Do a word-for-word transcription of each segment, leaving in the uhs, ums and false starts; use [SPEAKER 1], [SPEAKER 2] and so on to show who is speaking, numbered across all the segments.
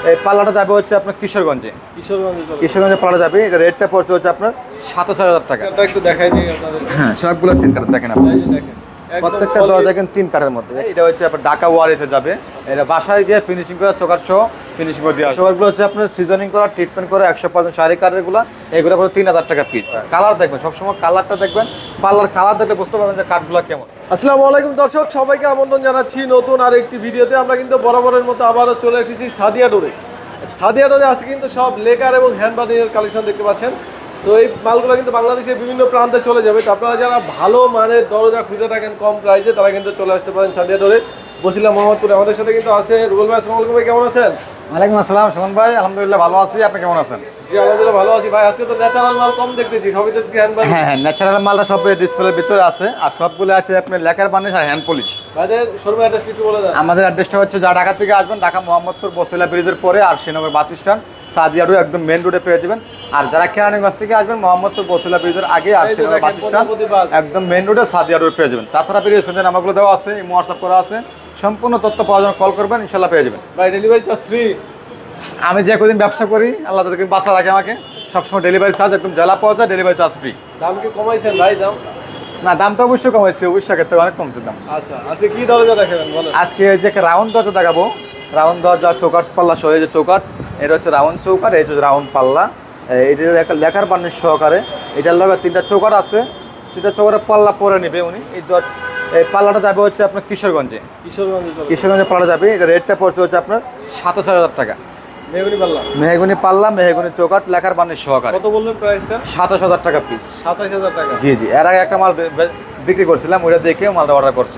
[SPEAKER 1] এই পাল্লাটা যাবে হচ্ছে আপনার কিশোরগঞ্জে।
[SPEAKER 2] কিশোরগঞ্জে
[SPEAKER 1] কিশোরগঞ্জে পাল্লা যাবে, এটা রেটটা পড়ছে হচ্ছে আপনার সাতাশ হাজার টাকা।
[SPEAKER 2] এটা একটু দেখাই দিই আপনাদের।
[SPEAKER 1] হ্যাঁ, সবগুলো তিন কাঠ দেখেন আপনি,
[SPEAKER 2] এই যে দেখেন
[SPEAKER 1] প্রত্যেকটা দরজা কিন্তু তিন কাঠের মধ্যে। এটা হচ্ছে আপনার ঢাকা ওয়ারিতে যাবে, এটা বাসায় গিয়ে ফিনিশিং করা চোকার সহ ফিনিশিং করে দেওয়া। চোকারগুলো হচ্ছে আপনার সিজনিং করা, ট্রিটমেন্ট করা একশো পার্সেন্ট শাড়ি কাঠেরগুলো, এগুলো পরে তিন হাজার টাকা পিস। কালার দেখবেন সবসময়, কালারটা দেখবেন, পাল্লার কালার দেখলে বুঝতে পারবেন যে কাঠগুলো কেমন।
[SPEAKER 2] আসসালামু আলাইকুম দর্শক, সবাইকে আমন্ত্রণ জানাচ্ছি নতুন আর একটি ভিডিওতে। আমরা কিন্তু বরাবরের মতো আবারও চলে এসেছি সাদিয়া ডোরে। সাদিয়া ডোরে আজকে কিন্তু সব লেকার এবং হ্যান্ড বার্নিংয়ের কালেকশন দেখতে পাচ্ছেন। তো এই মালগুলো কিন্তু বাংলাদেশের বিভিন্ন প্রান্তে চলে যাবে। তো আপনারা যারা ভালো মানের দরজা খুঁজে থাকেন কম প্রাইসে, তারা কিন্তু চলে আসতে পারেন সাদিয়া ডোরে, বসিলা মোহাম্মদপুরে। আমাদের সাথে কিন্তু আছে রুবেল ভাই। আসসালামু আলাইকুম ভাই, কেমন আছেন?
[SPEAKER 1] ওয়ালাইকুম আসসালাম সুমন ভাই, আলহামদুলিল্লাহ ভালো আছি, আপনি কেমন আছেন?
[SPEAKER 2] জি আলহামদুলিল্লাহ ভালো আছি ভাই। আজকে তো ন্যাচারাল মাল কম দেখতেছি, সবই তো হ্যান্ড বার্নিং।
[SPEAKER 1] হ্যাঁ হ্যাঁ, ন্যাচারাল মালটা সব ডিসপ্লের ভিতরে আছে, আর সবগুলো আছে আপনার লেকার বানিশ আর হ্যান্ড পলিশ।
[SPEAKER 2] ভাইদের শোরুমের অ্যাড্রেস একটু বলে দেন।
[SPEAKER 1] আমাদের অ্যাড্রেসটা হচ্ছে, যা ঢাকা থেকে আসবেন, ঢাকা মোহাম্মদপুর বসিলা ব্রিজের পরে আর Srinagar bus stand Sadia road একদম মেন রোডে পেয়ে যাবেন। আর যারা কেরানীগঞ্জ থেকে আসবেন, মোহাম্মদপুর বসিলা ব্রিজের আগে আর শ্রীনগর বাস স্ট্যান্ড একদম মেন রোডে সাদিয়া রোড পেয়ে যাবেন। তাছাড়া পেরিয়ে সন্ধ্যে নামাগুলো দেওয়া আছে, হোয়াটসঅ্যাপ করা আছে, সম্পূর্ণ তথ্য পাওয়ার জন্য কল করবেন, ইনশাল্লাহ পেয়ে যাবেন।
[SPEAKER 2] ভাই ডেলিভারি চার্জ ফ্রি।
[SPEAKER 1] আমি যে কদিন ব্যবসা করি, আল্লাহ তাদেরকে বাঁচা রাখে আমাকে, সবসময় ডেলিভারি চার্জ একদম জ্বালা পাওয়া যায়, ডেলিভারি চার্জ ফ্রি।
[SPEAKER 2] দাম কি কমাইছেন ভাই? দাম
[SPEAKER 1] না, দাম তো অবশ্যই কমাইছে, অবশ্যই ক্ষেত্রে অনেক কমছে দাম।
[SPEAKER 2] আচ্ছা আজকে কি দরজা দেখাবেন বলেন?
[SPEAKER 1] আজকে যে রাউন্ড দরজা দেখাবো, রাউন্ড দরজা চৌকাট পাল্লা সহ, এই যে চৌকাট, এটা হচ্ছে রাউন্ড চৌকাট, এই যে রাউন্ড পাল্লা, এটার একটা লেখার বান্নিশ সহকারে। এটার লগে তিনটা চৌকাট আছে, সেটা চৌকাটের পাল্লা পরে নেবে উনি। এই এই পাল্লাটা যাবে হচ্ছে আপনার কিশোরগঞ্জে।
[SPEAKER 2] কিশোরগঞ্জে
[SPEAKER 1] কিশোরগঞ্জে পাল্লা যাবে, এটা রেটটা পড়ছে হচ্ছে আপনার সাতাশ হাজার টাকা।
[SPEAKER 2] মেহগুনি পাল্লা,
[SPEAKER 1] মেহগুনি পাল্লা, মেহগুনি চৌকাট, লেখার বান্নিশ সহকারে।
[SPEAKER 2] কত বললেন প্রাইসটা?
[SPEAKER 1] সাতাশ হাজার টাকা পিস।
[SPEAKER 2] সাতাশ হাজার টাকা।
[SPEAKER 1] জি জি, এর আগে একটা মাল বে- বে- বিক্রি করছিলাম, ওইটা দেখে মালটা অর্ডার করছে।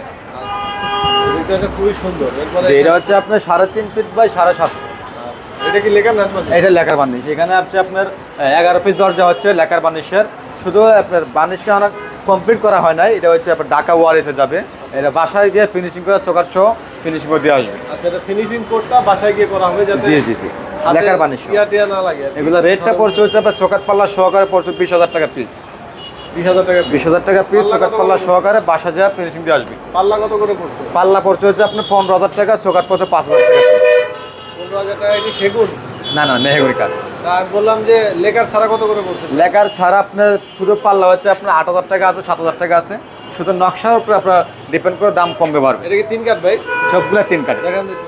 [SPEAKER 2] এটা খুবই সুন্দর। এরপরে
[SPEAKER 1] যে এটা হচ্ছে আপনার সাড়ে তিন ফিট বাই সাড়ে সাত ফিট।
[SPEAKER 2] এটা কি লেখা না?
[SPEAKER 1] এটা লেখার বার্নিশ। এখানে আপনি আপনার এগারো পিস দরজা হচ্ছে লেখার বার্নিশের, শুধু আপনার বার্নিশকে অনেক কমপ্লিট করা হয় নাই। এটা হচ্ছে আপনার ঢাকা ওয়ারিতে যাবে, এটা বাসায় গিয়ে ফিনিশিং করা চোকার সহ ফিনিশিং করে দিয়ে আসবে।
[SPEAKER 2] আচ্ছা, এটা ফিনিশিং কোডটা বাসায় গিয়ে করা হবে যাতে
[SPEAKER 1] জি জি জি, লেখার বার্নিশ
[SPEAKER 2] টিয়া টিয়া না লাগে।
[SPEAKER 1] এগুলো রেটটা পড়ছে হচ্ছে আপনার চোকার পাল্লা সহকারে পড়ছে বিশ হাজার টাকা পিস।
[SPEAKER 2] বিশ হাজার টাকা।
[SPEAKER 1] বিশ হাজার টাকা পিস চোকার পাল্লা সহকারে বাসা যা ফিনিশিং দিয়ে আসবে।
[SPEAKER 2] পাল্লা কত করে পড়ছে?
[SPEAKER 1] পাল্লা পড়ছে হচ্ছে আপনার পনেরো হাজার টাকা, চোকার পড়ছে পাঁচ হাজার টাকা পিস।
[SPEAKER 2] পনেরো হাজার টাকা কি সেগুন?
[SPEAKER 1] না না, মেহগুনি কাঠ।
[SPEAKER 2] তা আমি বললাম যে লেকার ছাড়া কত করে পড়ছে?
[SPEAKER 1] লেকার ছাড়া আপনার শুধু পাল্লা হচ্ছে আপনার আট হাজার টাকা আছে, সাত হাজার টাকা আছে, শুধু নকশার উপরে আপনার ডিপেন্ড করে দাম কমবে বাড়বে।
[SPEAKER 2] এটা কি তিন কাঠ ভাই?
[SPEAKER 1] সবগুলো তিন কাঠ।
[SPEAKER 2] দেখেন দেখি।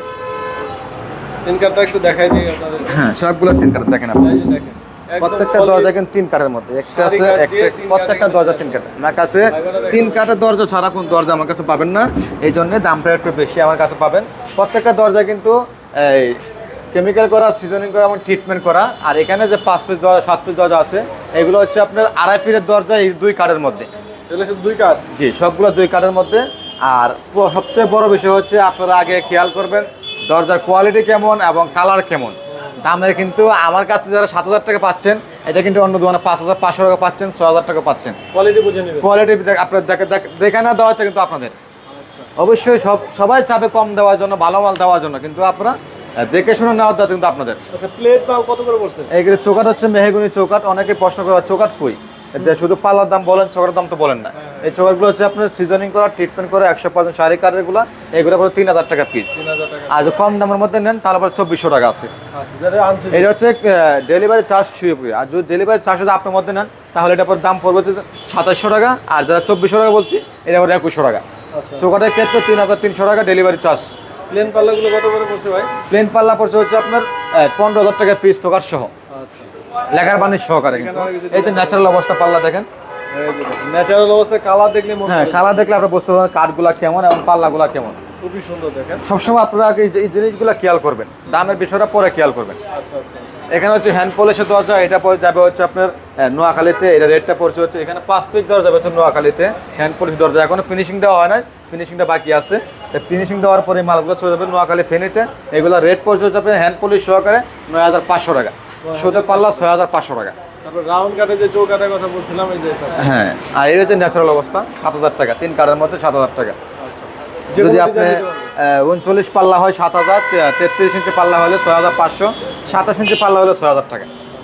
[SPEAKER 2] তিন কাঠটা একটু দেখাই দিই আপনাদের।
[SPEAKER 1] হ্যাঁ, সবগুলো তিন কাঠ দেখেন আপনি,
[SPEAKER 2] এই যে দেখেন একদম
[SPEAKER 1] প্রত্যেকটা
[SPEAKER 2] solid।
[SPEAKER 1] দরজা কিন্তু তিন কাঠের মধ্যে একটা আছে,
[SPEAKER 2] সারি কাঠ
[SPEAKER 1] একটা
[SPEAKER 2] দিয়ে তিন
[SPEAKER 1] প্রত্যেকটা
[SPEAKER 2] কাঠে
[SPEAKER 1] দরজা তিন কাঠ। আমার কাছে তিন কাঠের দরজা ছাড়া কোন দরজা আমার কাছে পাবেন না, এই জন্য দামটা একটু বেশি আমার কাছে পাবেন। প্রত্যেকটা দরজা কিন্তু এই কেমিক্যাল করা, সিজনিং করা এবং ট্রিটমেন্ট করা। আর এখানে যে পাঁচ পিস দরজা, সাত পিস দরজা আছে, এগুলো হচ্ছে আপনার আড়াই ফিটের দরজা, এই দুই কাঠের মধ্যে।
[SPEAKER 2] এগুলো সব দুই কাঠ।
[SPEAKER 1] জি, সবগুলো দুই কাঠের মধ্যে। আর প- সবচেয়ে বড় বিষয় হচ্ছে আপনারা আগে খেয়াল করবেন দরজার কোয়ালিটি কেমন এবং কালার কেমন। দামের কিন্তু আমার কাছে যারা সাত হাজার টাকা পাচ্ছেন, এটা কিন্তু অন্য দোকানে পাঁচ হাজার পাঁচশো টাকা পাচ্ছেন, ছয় হাজার টাকা পাচ্ছেন।
[SPEAKER 2] কোয়ালিটি বুঝে নেবেন।
[SPEAKER 1] কোয়ালিটি আপনার দেখে দেখে না দেওয়াটা কিন্তু আপনাদের অবশ্যই, সব সবাই চাবে কম দেওয়ার জন্য, ভালো মাল দেওয়ার জন্য, কিন্তু আপনারা দেখে শুনে নেওয়াটা কিন্তু আপনাদের।
[SPEAKER 2] আচ্ছা, প্লেট মাল কত করে পড়ছে?
[SPEAKER 1] এইগুলো চৌকাট হচ্ছে মেহগুনি চৌকাট। অনেকে প্রশ্ন করে চৌকাট কই, যে শুধু পাল্লার দাম বলেন, চৌকাটের দাম তো বলেন না। এই চৌকাটগুলো হচ্ছে আপনার সিজনিং করা, ট্রিটমেন্ট করে একশো পার্সেন্ট শাড়ি কাঠেরগুলো, এগুলো করে তিন হাজার টাকা পিস।
[SPEAKER 2] তিন হাজার টাকা।
[SPEAKER 1] আর যদি কম দামের মধ্যে নেন তাহলে পরে চব্বিশশো টাকা আছে।
[SPEAKER 2] আচ্ছা, যেটা আনছে
[SPEAKER 1] এটা হচ্ছে ডেলিভারি চার্জ শুয়ে। আর যদি ডেলিভারি চার্জ যদি আপনার মধ্যে নেন তাহলে এটা পর দাম পড়বে সাতাশশো টাকা, আর যারা চব্বিশশো টাকা বলছি এটা পরে একুশশো টাকা।
[SPEAKER 2] আচ্ছা,
[SPEAKER 1] চৌকাটের ক্ষেত্রে তিন হাজার তিনশো টাকা ডেলিভারি চার্জ।
[SPEAKER 2] প্লেন পাল্লাগুলো কত করে পড়ছে ভাই?
[SPEAKER 1] প্লেন পাল্লা পড়ছে হচ্ছে আপনার পনেরো হাজার টাকা পিস চৌকাট সহ,
[SPEAKER 2] আচ্ছা,
[SPEAKER 1] লেখার বানিশ সহকারে। কিন্তু এই তো ন্যাচারাল অবস্থা পাল্লা দেখেন।
[SPEAKER 2] ন্যাচারাল অবস্থায় কালার দেখলে মনে
[SPEAKER 1] হ্যাঁ,
[SPEAKER 2] হয়
[SPEAKER 1] কালার দেখলে আপনার বুঝতে পারবেন কাঠগুলা কেমন এবং পাল্লাগুলা কেমন।
[SPEAKER 2] খুবই সুন্দর। দেখেন
[SPEAKER 1] সবসময় আপনারা আগে এই যে- এই জিনিসগুলো খেয়াল করবেন, দামের বিষয়টা পরে খেয়াল করবেন।
[SPEAKER 2] আচ্ছা আচ্ছা।
[SPEAKER 1] এখানে হচ্ছে হ্যান্ড পলিশের দরজা, এটা পরে যাবে হচ্ছে আপনার আহ, নোয়াখালীতে। এটা রেটটা পড়ছে হচ্ছে, এখানে পাঁচ পিস দরজা যাবে হচ্ছে নোয়াখালীতে হ্যান্ড পলিশ দরজা। এখনো ফিনিশিং দেওয়া হয় না, ফিনিশিংটা বাকি আছে। ফিনিশিং দেওয়ার পরে এই মালগুলো চলে যাবে নোয়াখালী ফেনীতে। এগুলো রেট পড়ছে হচ্ছে আপনার হ্যান্ড পলিশ সহকারে নয় হাজার পাঁচশো টাকা, শুধু পাল্লা ছয় হাজার পাঁচশো টাকা।
[SPEAKER 2] তারপর রাউন্ড কাটে যে চৌকাটের কথা বলছিলাম, এই যে এটা।
[SPEAKER 1] হ্যাঁ, আর এটা হচ্ছে ন্যাচারাল অবস্থা সাত হাজার টাকা, তিন কাঠের মধ্যে সাত হাজার টাকা।
[SPEAKER 2] আচ্ছা,
[SPEAKER 1] যদি আপনি উনচল্লিশ পাল্লা হয় সাত হাজার, তেত্রিশ ইঞ্চি পাল্লা হলে ছয় হাজার পাঁচশো, সাতাশ ইঞ্চি পাল্লা হলে ছয় হাজার টাকা।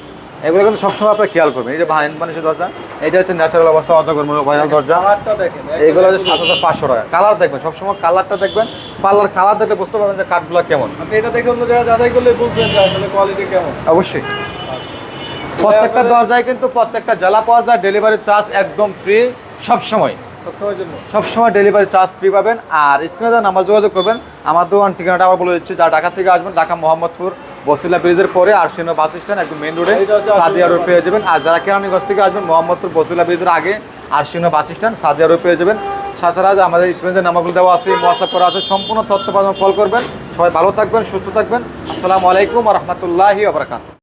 [SPEAKER 1] এগুলো কিন্তু সবসময় আপনার খেয়াল করবেন। এই যে হ্যান্ড পলিশের দরজা, এটা হচ্ছে ন্যাচারাল অবস্থা অজগর ভাইরাল দরজা,
[SPEAKER 2] কালারটা দেখেন
[SPEAKER 1] এইগুলো হচ্ছে সাত হাজার পাঁচশো টাকা। কালার দেখবেন সবসময়, কালারটা দেখবেন, পার্লার কালার দেখলে বুঝতে পারবেন যে কাঠগুলো কেমন।
[SPEAKER 2] আপনি এটা দেখে অন্য জায়গায় যাচাই করলে বুঝবেন যে আসলে কোয়ালিটি কেমন।
[SPEAKER 1] অবশ্যই প্রত্যেকটা দরজায় কিন্তু প্রত্যেকটা জ্বালা পাওয়া যায়, ডেলিভারি চার্জ একদম ফ্রি সবসময়,
[SPEAKER 2] সবসময়ের জন্য।
[SPEAKER 1] সবসময় ডেলিভারি চার্জ ফ্রি পাবেন। আর স্ক্রিনে দেওয়া নাম্বার যোগাযোগ করবেন। আমার দোকান ঠিকানাটা আবার বলে দিচ্ছি, যারা ঢাকা থেকে আসবেন, ঢাকা মোহাম্মদপুর বসিলা ব্রিজের পরে আরশিনো বাস স্ট্যান্ড একদম মেন রোডে
[SPEAKER 2] এইটা হচ্ছে
[SPEAKER 1] সাদিয়া রোড পেয়ে যাবেন। আর যারা কেরানীগঞ্জ থেকে আসবেন, মোহাম্মদপুর বসিলা ব্রিজের আগে আরশিনো বাস স্ট্যান্ড সাদিয়া রোড পেয়ে যাবেন। তাছাড়া আমাদের স্ক্রিনের নাম্বারগুলো দেওয়া আছে, হোয়াটসঅ্যাপ করা আছে, সম্পূর্ণ তথ্য পাবেন, কল করবেন। সবাই ভালো থাকবেন, সুস্থ থাকবেন। আসসালামু আলাইকুম ওয়া রাহমাতুল্লাহি ওয়া বারাকাতুহু।